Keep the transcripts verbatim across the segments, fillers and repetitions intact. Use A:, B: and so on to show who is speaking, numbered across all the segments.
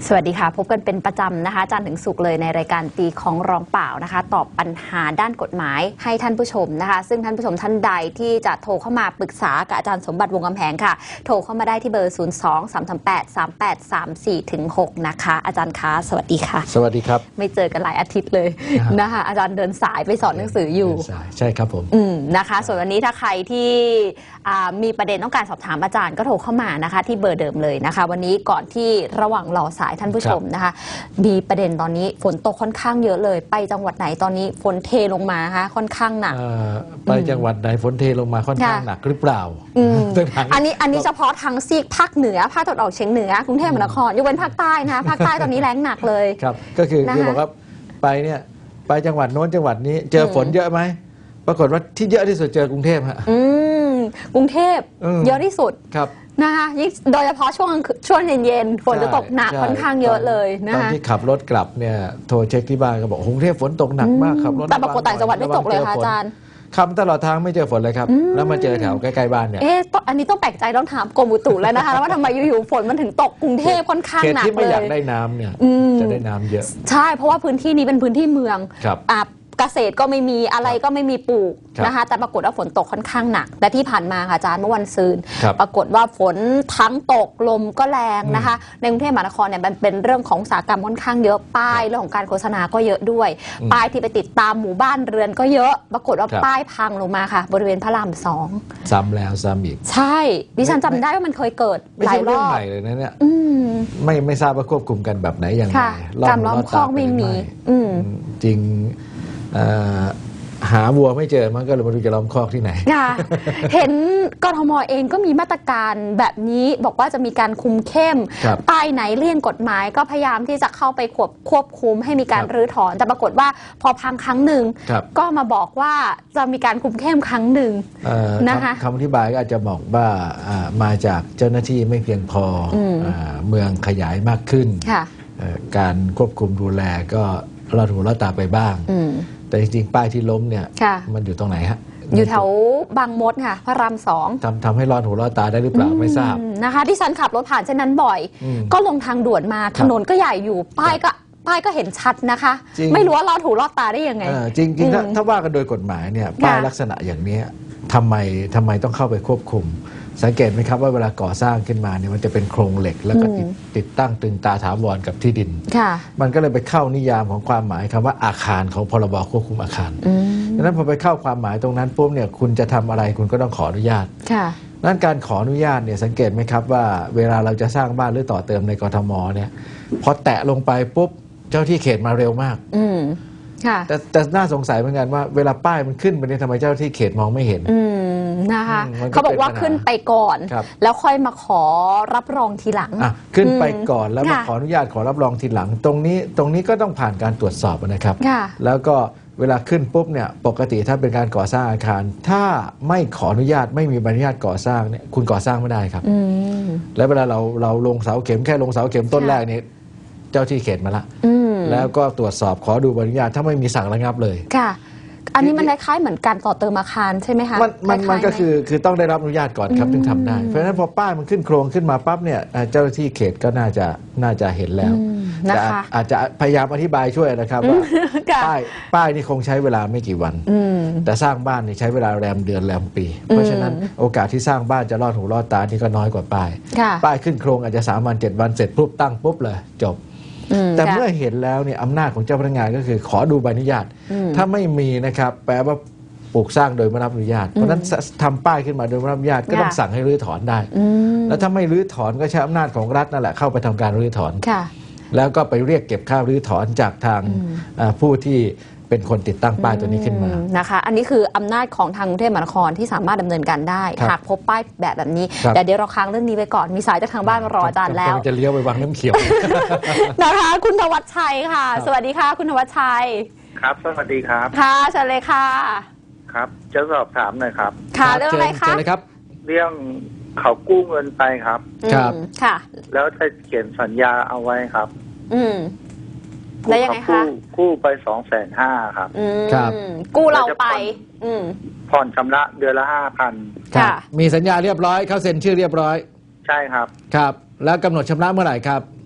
A: สวัสดีค่ะพบกันเป็นประจำนะคะจันทร์ถึงศุกร์เลยในรายการตีของร้องเปล่านะคะตอบปัญหาด้านกฎหมายให้ท่านผู้ชมนะคะซึ่งท่านผู้ชมท่านใดที่จะโทรเข้ามาปรึกษากับอาจารย์สมบัติวงกำแพงค่ะโทรเข้ามาได้ที่เบอร์ ศูนย์ สอง สาม สาม แปด สาม แปด สาม สี่ ถึง หก นะคะอาจารย์คะสวัสดีค่ะ
B: สวัสดีครับ
A: ไม่เจอกันหลายอาทิตย์เลยนะคะอาจารย์เดินสายไปสอนหนังสืออยู่
B: ใช่ครับผม
A: อืมนะคะส่วนวันนี้ถ้าใครที่มีประเด็นต้องการสอบถามอาจารย์ก็โทรเข้ามานะคะที่เบอร์เดิมเลยนะคะวันนี้ก่อนที่ระหว่างรอสายท่านผู้ชมนะคะมีประเด็นตอนนี้ฝนตกค่อนข้างเยอะเลยไปจังหวัดไหนตอนนี้ฝนเทลงมาคะค่อนข้างหนัก
B: ไปจังหวัดไหนฝนเทลงมาค่อนข้างหนักหรือเปล่า
A: อันนี้อันนี้เฉพาะทางซีกภาคเหนือภาคตะวันออกเฉียงเหนือกรุงเทพมหานครยกเว้นภาคใต้นะภาคใต้ตอนนี้แล้งหนักเลย
B: ครับก็คือคือบอกว่าไปเนี่ยไปจังหวัดโน้นจังหวัดนี้เจอฝนเยอะไหมปรากฏว่าที่เยอะที่สุดเจอกรุงเทพฮะ
A: กรุงเทพเยอะที่สุด
B: ครับ
A: นะคะโดยเฉพาะช่วงช่วงเย็นๆฝนจะตกหนักค่อนข้างเยอะเลยนะคะ
B: ตอนที่ขับรถกลับเนี่ยโทรเช็คที่บ้านก็บอกกรุงเทพฝนตกหนักมากครับรถ
A: แต่ปรากฏต่างจังหวัดไม่ตกเลยค่ะอาจารย์
B: ขับตลอดทางไม่เจอฝนเลยครับแล้วมาเจอแถวใกล้ๆบ้านเนี่ย
A: เอ๊ะอันนี้ต้องแปลกใจต้องถามกรมอุตุแล้วนะคะว่าทำไมอยู่ๆฝนมันถึงตกกรุงเทพค่อนข้างหนักเลย
B: เขตที่ไม่อยากได้น้ำเนี่ยจะได้น้ำเยอะ
A: ใช่เพราะว่าพื้นที่นี้เป็นพื้นที่เมืองอ่าเกษตรก็ไม่มีอะไรก็ไม่มีปลูกนะคะแต่ปรากฏว่าฝนตกค่อนข้างหนักแต่ที่ผ่านมาค่ะอาจารย์เมื่อวันซืนปรากฏว่าฝนทั้งตกลมก็แรงนะคะในกรุงเทพมหานครเนี่ยมันเป็นเรื่องของอุตสาหกรรมค่อนข้างเยอะป้ายเรื่องของการโฆษณาก็เยอะด้วยป้ายที่ไปติดตามหมู่บ้านเรือนก็เยอะปรากฏว่าป้ายพังลงมาค่ะบริเวณพระรามสอง
B: ซ้ำแล้วซ้ำอีก
A: ใช่ดิฉันจำได้ว่ามันเคยเกิดหลายรอบ
B: ไม่ใช่เรื่องใหม่เลยนะเนี่ยไม่ไม่ทราบว่าควบคุมกันแบบไหนอย่างไร
A: การล้อมคอกไม่มี
B: จริงหาวัวไม่เจอมันก็เลยมาดูจะล้อมคอกที่ไหน
A: เห็นกทมเองก็มีมาตรการแบบนี้บอกว่าจะมีการคุมเข้มป้ายไหนเลี่ยงกฎหมายก็พยายามที่จะเข้าไปควบควบคุมให้มีการรื้อถอนแต่ปรากฏว่าพอพังครั้งหนึ่งก็มาบอกว่าจะมีการคุมเข้มครั้งหนึ่งนะคะ
B: คำอธิบายก็อาจจะบอกว่ามาจากเจ้าหน้าที่ไม่เพียงพอเมืองขยายมากขึ้นการควบคุมดูแลก็ลอดหูลอดตาไปบ้างแต่จริงๆป้ายที่ล้มเนี่ยมันอยู่ตรงไหนฮะ
A: อยู่แถวบางมดค่ะพระรามสอง
B: ทำทำให้รอดหูรอดตาได้หรือเปล่าไม่ทราบ
A: นะคะที่ฉันขับรถผ่านเส้นนั้นบ่อยก็ลงทางด่วนมาถนนก็ใหญ่อยู่ป้ายก็ป้ายก็เห็นชัดนะคะไม่รู้ว่ารอดหูรอดตาได้ยังไง
B: จริงๆถ้าว่ากันโดยกฎหมายเนี่ยป้ายลักษณะอย่างนี้ทำไมทำไมต้องเข้าไปควบคุมสังเกตไหมครับว่าเวลาก่อสร้างขึ้นมาเนี่ยมันจะเป็นโครงเหล็กแล้วก็ติดติดตั้งตึงตาถาวรกับที่ดินมันก็เลยไปเข้านิยามของความหมายคำว่าอาคารของพรบควบคุมอาคารดังนั้นพอไปเข้าความหมายตรงนั้นปุ๊บเนี่ยคุณจะทำอะไรคุณก็ต้องขออนุญาตนั่นการขออนุญาตเนี่ยสังเกตไหมครับว่าเวลาเราจะสร้างบ้านหรือต่อเติมในกทมเนี่ยพอแตะลงไปปุ๊บเจ้าที่เขตมาเร็วมากแต่แต่น่าสงสัยเหมือนกันว่าเวลาป้ายมันขึ้นไปเนี่ยทำไมเจ้าที่เขตมองไม่เห็น
A: นะคะเขาบอกว่าขึ้นไปก่อนแล้วค่อยมาขอรับรองทีหลัง
B: ขึ้นไปก่อนแล้วมาขออนุญาตขอรับรองทีหลังตรงนี้ตรงนี้ก็ต้องผ่านการตรวจสอบนะครับแล้วก็เวลาขึ้นปุ๊บเนี่ยปกติถ้าเป็นการก่อสร้างอาคารถ้าไม่ขออนุญาตไม่มีใบอนุญาตก่อสร้างเนี่ยคุณก่อสร้างไม่ได้ครับแล้วเวลาเราเราลงเสาเข็มแค่ลงเสาเข็มต้นแรกเนี่ยเจ้าที่เขตมาละแล้วก็ตรวจสอบขอดูใบอนุญาตถ้าไม่มีสั่งระงับเลย
A: ค่ะอันนี้มันคล้ายๆเหมือนการต่อเติมอาคารใช่ไหมคะ
B: มันมันมันก็คือคือต้องได้รับอนุญาตก่อนครับถึงทำได้เพราะฉะนั้นพอป้ายมันขึ้นโครงขึ้นมาปั๊บเนี่ยเจ้าหน้าที่เขตก็น่าจะน่าจะเห็นแล้วแต่อาจจะพยายามอธิบายช่วยนะครับว่าป้ายป้ายนี่คงใช้เวลาไม่กี่วันแต่สร้างบ้านนี่ใช้เวลาแรมเดือนแรมปีเพราะฉะนั้นโอกาสที่สร้างบ้านจะรอดหูรอดตานี่ก็น้อยกว่าป้ายป้ายขึ้นโครงอาจจะสามวันเจ็ดวันเสร็จปุ๊บตั้งปุ๊บเลยจบแต่เมื่อเห็นแล้วเนี่ยอำนาจของเจ้าพนักงานก็คือขอดูใบอนุญาตถ้าไม่มีนะครับแปลว่าปลูกสร้างโดยไม่รับอนุญาตเพราะนั้นทำป้ายขึ้นมาโดยไม่รับอนุญาตก็ต้องสั่งให้รื้อถอนได้แล้วถ้าไม่รื้อถอนก็ใช้อำนาจของรัฐนั่นแหละเข้าไปทำการรื้อถอนแล้วก็ไปเรียกเก็บค่ารื้อถอนจากทางผู้ที่เป็นคนติดตั้งป้ายตัวนี้ขึ้นมา
A: นะคะอันนี้คืออำนาจของทางกรุงเทพมหานครที่สามารถดำเนินการได้หากพบป้ายแบบแบบนี้แต่เดี๋ยวเราค้างเรื่องนี้ไปก่อนมีสายจากทางบ้านมารออาจารย์แล้ว
B: จะเลี้ยวไปวังน้ำเขียว
A: นะคะคุณธวัชชัยค่ะสวัสดีค่ะคุณธวัชชัย
C: ครับสวัสดีครับ
A: ค่ะเชิญเลยค่ะ
C: ครับจะสอบถามหน่อยครับ
A: ค่ะเรื่องอะไรคะ
B: เครับ
C: เรื่องเขากู้เงินไปครับ
A: ครับค่ะ
C: แล้วจะเขียนสัญญาเอาไว้ครับ
A: อืมแล้วยังไงคะ
C: กู้ไปสองแสนห้าครับ
B: ครับ
A: กู้เราไป
C: ผ่อนชำระเดือนละห้าพัน
B: ค่ะมีสัญญาเรียบร้อยเขาเซ็นชื่อเรียบร้อย
C: ใช่ครับ
B: ครับแล้วกำหนดชำระเมื่อไหร่ครับ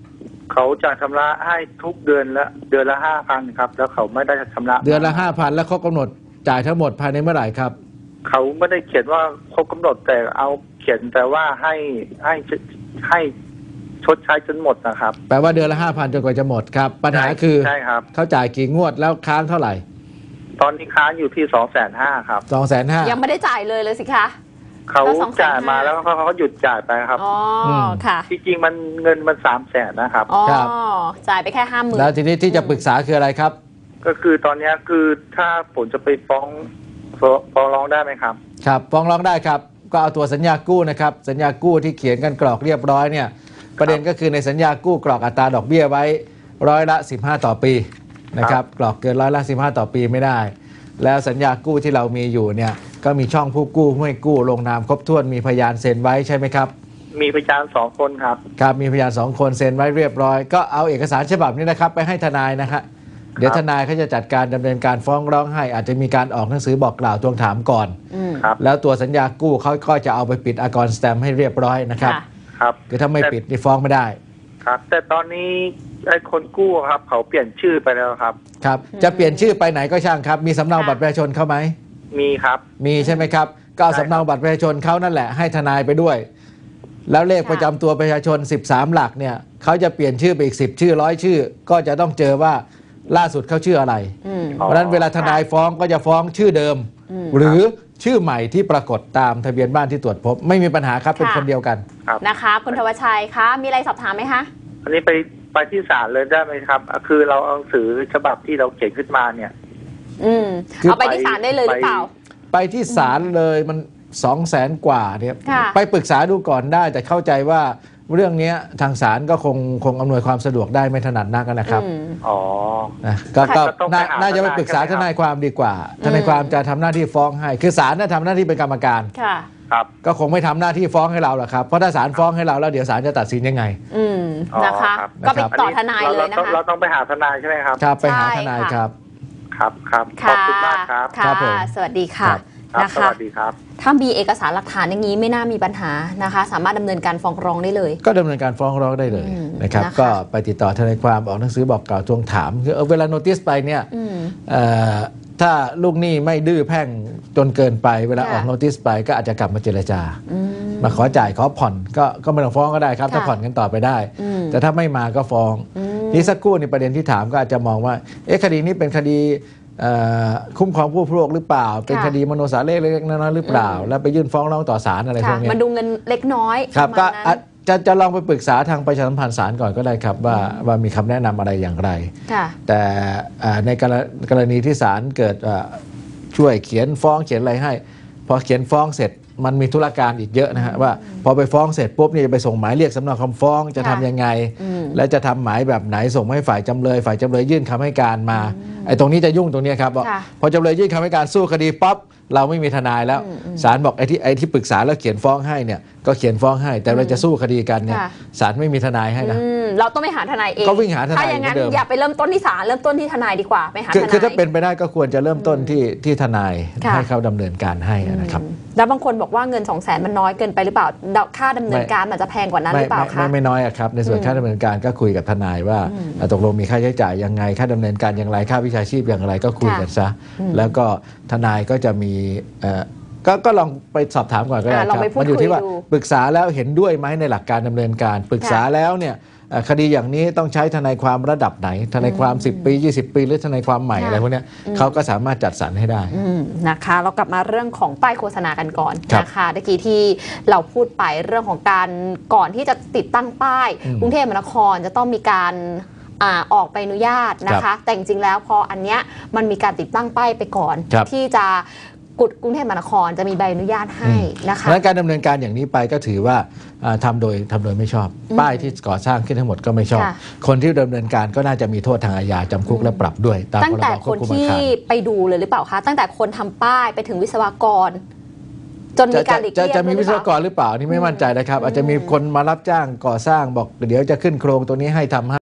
C: เขาจะชำระให้ทุกเดือนละเดือนละห้าพันครับแล้วเขาไม่ได้ชำระ
B: เดือนละห้าพันแล้วเขากำหนดจ่ายทั้งหมดภายในเมื่อไหร่ครับ
C: เขาไม่ได้เขียนว่าครบกำหนดแต่เอาเขียนแต่ว่าให้ให้ให้ชดใช้จนหมดนะครับ
B: แปลว่าเดือนละห้าพันจนกว่าจะหมดครับปัญหาคือ
C: ใช่ครับ
B: เขาจ่ายกี่งวดแล้วค้างเท่าไหร่
C: ตอนนี้ค้างอยู่ที่สองแสนห้าครับ
B: สองแสนห้า
A: ยังไม่ได้จ่ายเลยเลยสิคะ
C: เขาจ่ายมาแล้วเขาเขาหยุดจ่ายไปครับ
A: อ๋อค่ะ
C: จริงๆมันเงินมันสามแสนนะครับ
A: อ๋อจ่ายไปแค่ห้าหมื่น
B: แล้วทีนี้ที่จะปรึกษาคืออะไรครับ
C: ก็คือตอนนี้คือถ้าผมจะไปฟ้องฟ้องร้องได้ไหมครับ
B: ครับฟ้องร้องได้ครับก็เอาตัวสัญญากู้นะครับสัญญากู้ที่เขียนกันกรอกเรียบร้อยเนี่ยประเด็นก็คือในสัญญากู้กรอกอัตราดอกเบี้ยไว้ร้อยละสิบห้าต่อปีนะครับกรอกเกินร้อยละสิบห้าต่อปีไม่ได้แล้วสัญญากู้ที่เรามีอยู่เนี่ยก็มีช่องผู้กู้ผู้ให้กู้ลงนามครบถ้วนมีพยานเซ็นไว้ใช่ไหมครับ
C: มีพยานสองคนครับ
B: ครับมีพยานสองคนเซ็นไว้เรียบร้อยก็เอาเอกสารฉบับนี้นะครับไปให้ทนายนะฮะเดี๋ยวทนายเขาจะจัดการดำเนินการฟ้องร้องให้อาจจะมีการออกหนังสือบอกกล่าวทวงถามก่อนแล้วตัวสัญญากู้เขาก็จะเอาไปปิดอากรสแตมป์ให้เรียบร้อยนะครับ
C: ครับ
B: คือถ้าไม่ปิดนี่ฟ้องไม่ได้
C: ครับแต่ตอนนี้ไอ้คนกู้ครับเขาเปลี่ยนชื่อไปแล้วครับ
B: ครับจะเปลี่ยนชื่อไปไหนก็ช่างครับมีสำเนาบัตรประชาชนเขาไหม
C: มีครับ
B: มีใช่ไหมครับก็เอาสำเนาบัตรประชาชนเขานั่นแหละให้ทนายไปด้วยแล้วเลขประจำตัวประชาชนสิบสามหลักเนี่ยเขาจะเปลี่ยนชื่อไปอีกสิบชื่อร้อยชื่อก็จะต้องเจอว่าล่าสุดเขาชื่ออะไรเพราะฉะนั้นเวลาทนายฟ้องก็จะฟ้องชื่อเดิมหรือชื่อใหม่ที่ปรากฏตามทะเบียนบ้านที่ตรวจพบไม่มีปัญหาครับเป็นคนเดียวกัน
A: นะคะคุณธวัชชัยคะมีอะไรสอบถามไหมคะ
C: อันนี้ไปไปที่ศาลเลยได้ไหมครับคือเราเอาหนังสือฉบับที่เราเขียนขึ้นมาเนี่ย
A: อืมเอาไปที่ศาลได้เลยหรือเปล่า
B: ไปที่ศาลเลยมันสองแสนกว่าเนี่ยไปปรึกษาดูก่อนได้แต่เข้าใจว่าเรื่องนี้ทางศาลก็คงคงอำนวยความสะดวกได้ไม่ถนัดนักนะครับ
C: อ๋อ
B: นะก็น่าจะไปปรึกษาทนายความดีกว่าทนายความจะทำหน้าที่ฟ้องให้คือศาลน่ะทำหน้าที่เป็นกรรมการ
C: ครับ
B: ก็คงไม่ทำหน้าที่ฟ้องให้เราหรอกครับเพราะถ้าศาลฟ้องให้เราแล้วเดี๋ยวศาลจะตัดสินยังไง
A: อืมนะคะก็ไปต่อทนายเลยนะคะ
C: เราต้องไปหาทนายใช่ไหมครับ
B: ครับไปหาทนายครับ
C: ครับครับขอบคุณมากครับ
A: ค่ะสวัสดีค่ะ
C: นะคะสวัสดีครับ
A: ถ้ามีเอกสารหลักฐานอย่างนี้ไม่น่ามีปัญหานะคะสามารถดำเนินการฟ้องร้องได้เลย
B: ก็ดำเนินการฟ้องร้องได้เลยนะครับก็ไปติดต่อทนายความออกหนังสือบอกกล่าวทวงถามคือเวลาโนติสไปเนี่ยถ้าลูกหนี้ไม่ดื้อแพ่งจนเกินไปเวลาออกโนติสไปก็อาจจะกลับมาเจรจามาขอจ่ายขอผ่อนก็ก็ไม่ต้องฟ้องก็ได้ครับถ้าผ่อนกันต่อไปได้แต่ถ้าไม่มาก็ฟ้องนี่สักครู่ในประเด็นที่ถามก็อาจจะมองว่าเอ๊ะคดีนี้เป็นคดีคุ้มครองผู้บริโภคหรือเปล่าเป็นคดีมโนสาเล็กๆน้อยๆหรือเปล่าแล้วไปยื่นฟ้องร้องต่อศาลอะไรพวกนี้
A: มันดูเงินเล็กน้อย
B: ครับก็จะจะลองไปปรึกษาทางประชาสัมพันธ์ศาลก่อนก็ได้ครับว่าว่ามีคำแนะนำอะไรอย่างไรแต่ในกรณีที่ศาลเกิดช่วยเขียนฟ้องเขียนอะไรให้พอเขียนฟ้องเสร็จมันมีธุรการอีกเยอะนะฮะว่าพอไปฟ้องเสร็จปุ๊บนี่จะไปส่งหมายเรียกสำเนาคำฟ้องจะทำยังไงและจะทำหมายแบบไหนส่งให้ฝ่ายจำเลยฝ่ายจำเลยยื่นคำให้การมาไอ้ตรงนี้จะยุ่งตรงนี้ครับพอจำเลยยื่นคำให้การสู้คดีปั๊บเราไม่มีทนายแล้วศาลบอกไอ้ที่ไอ้ที่ปรึกษาแล้วเขียนฟ้องให้เนี่ยก็เขียนฟ้องให้แต่เราจะสู้คดีกันเนี่ยศาลไม่มีทนายให้นะ
A: เราต้องไปหาทนายเอง
B: ก็วิ่งหาทนาย
A: ถ้าอย่างนั้นอย่าไปเริ่มต้นที่ศาลเริ่มต้นที่ทนายดีกว่าไปหาทนาย
B: คือถ้าเป็นไปได้ก็ควรจะเริ่มต้นที่ที่ทนายให้เขาดำเนินการให้นะครับ
A: แล้วบางคนบอกว่าเงินสองแสนมันน้อยเกินไปหรือเปล่าค่าดำเนินการมันจะแพงกว่านั้นหรือเปล่าคะ
B: ไม่ไม่น้อยครับในส่วนค่าดำเนินการก็คุยกับทนายว่าตกลงมีค่าใช้จ่ายยังไงค่าดำเนินการอย่างไรค่าวิชาชีพอย่างไรก็คุยกันซะแล้วก็ทนายก็จะมีก็ก็ลองไปสอบถามก่อนก็ได้ครับมันอยู่ที่ว่าปรึกษาแล้วเห็นด้วยไหมในหลักการดำเนินการปรึกษาแล้วเนี่ยคดีอย่างนี้ต้องใช้ทนายความระดับไหนทนายความสิบปียี่สิบปีหรือทนายความใหม่อะไรพวกนี้เขาก็สามารถจัดสรรให้ได้
A: นะคะเรากลับมาเรื่องของป้ายโฆษณากันก่อนนะคะเมื่อกี้ที่เราพูดไปเรื่องของการก่อนที่จะติดตั้งป้ายกรุงเทพมหานครจะต้องมีการออกใบอนุญาตนะคะแต่จริงๆแล้วพออันเนี้ยมันมีการติดตั้งป้ายไปก่อนที่จะกรุงเทพมหานครจะมีใบอนุญาตให้นะคะ
B: และการดำเนินการอย่างนี้ไปก็ถือว่าทำโดยทำโดยไม่ชอบป้ายที่ก่อสร้างขึ้นทั้งหมดก็ไม่ชอบคนที่ดำเนินการก็น่าจะมีโทษทางอาญาจำคุกและปรับด้วย
A: ตั้งแต่คนที่ไปดูเลยหรือเปล่าคะตั้งแต่คนทำป้ายไปถึงวิศวกรจนมีการหลีกเลี่ยง
B: จะมีวิศวกรหรือเปล่านี่ไม่มั่นใจนะครับอาจจะมีคนมารับจ้างก่อสร้างบอกเดี๋ยวจะขึ้นโครงตัวนี้ให้ทำ